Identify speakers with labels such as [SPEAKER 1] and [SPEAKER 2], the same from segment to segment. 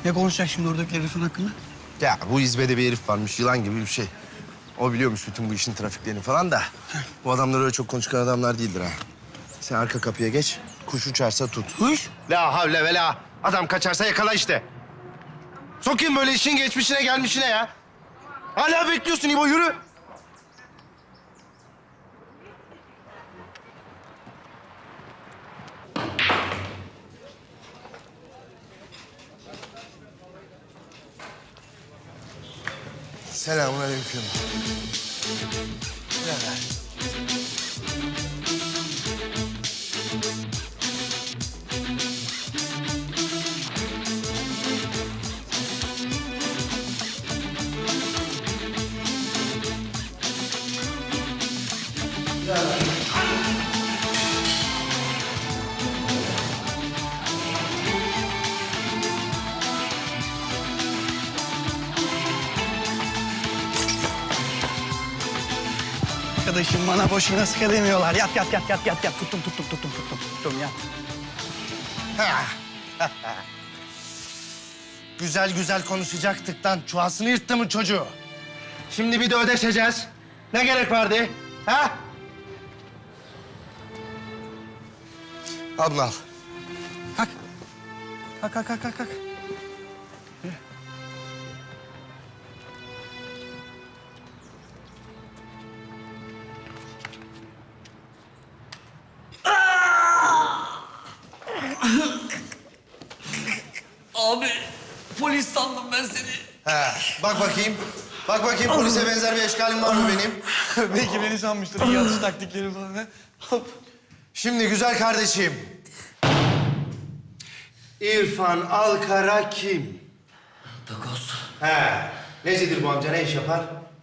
[SPEAKER 1] Ne konuşacak şimdi oradaki herifin hakkında?
[SPEAKER 2] Ya bu İzmir'de bir herif varmış, yılan gibi bir şey. O biliyormuş bütün bu işin trafiklerini falan da. Bu adamlar öyle çok konuşkan adamlar değildir ha. Sen arka kapıya geç, kuş uçarsa tut.
[SPEAKER 1] Kuş?
[SPEAKER 2] La havle ve la. Adam kaçarsa yakala işte. Sokayım böyle işin geçmişine gelmişine ya. Hala bekliyorsun İbo, yürü. Selamünaleyküm.
[SPEAKER 1] Arkadaşım bana boşuna sıkı demiyorlar. Yat. Tuttum yat.
[SPEAKER 2] Güzel güzel konuşacaktık lan. Çuvasını yırttı mı çocuğu? Şimdi bir de ödeşeceğiz. Ne gerek vardı? Ha? Al bunu al.
[SPEAKER 1] Kalk.
[SPEAKER 3] Abi polis sandım ben seni.
[SPEAKER 2] Ha, bak bakayım. Bak bakayım polise benzer bir eşkalim var mı benim?
[SPEAKER 1] Belki beni sanmıştır. İyi atış taktikleri falan. Ha?
[SPEAKER 2] Şimdi güzel kardeşim. İrfan Alkara kim?
[SPEAKER 3] Takoz,
[SPEAKER 2] He. Necidir bu amca, ne iş yapar?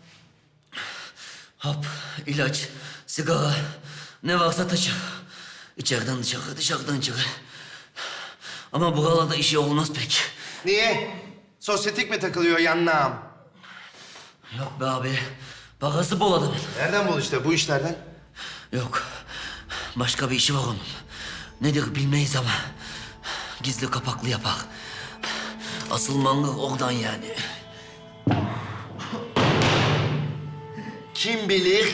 [SPEAKER 3] hap, ilaç, sigara ne varsa taşır. İçeriden dışarı, dışarıdan içeri. Ama buralarda işi olmaz pek.
[SPEAKER 2] Niye? Sosyetik mi takılıyor yanına?
[SPEAKER 3] Yok be abi, parası bol adamın.
[SPEAKER 2] Nereden bul işte bu işlerden?
[SPEAKER 3] Yok, başka bir işi var onun. Nedir bilmeyiz ama gizli kapaklı yapar. Asıl mangır oradan yani.
[SPEAKER 2] Kim bilir?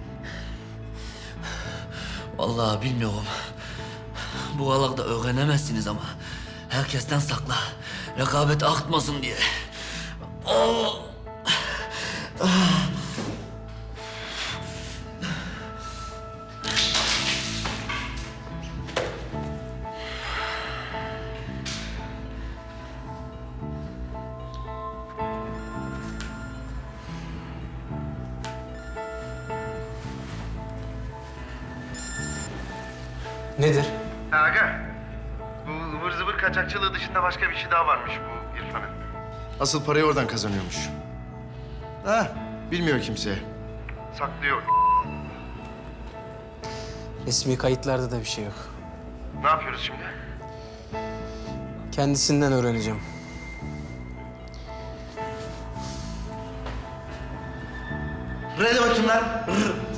[SPEAKER 3] Vallahi bilmiyorum. Buralarda öğrenemezsiniz ama herkesten sakla. Rekabet artmasın diye.
[SPEAKER 4] Nedir?
[SPEAKER 2] Aga, bu ıvır zıvır kaçakçılığı dışında başka bir şey daha varmış bu İrfan'ın. Asıl parayı oradan kazanıyormuş. Ha, bilmiyor kimse. Saklıyor.
[SPEAKER 4] Resmi kayıtlarda da bir şey yok.
[SPEAKER 2] Ne yapıyoruz şimdi?
[SPEAKER 4] Kendisinden öğreneceğim.
[SPEAKER 2] R'de bakayım lan.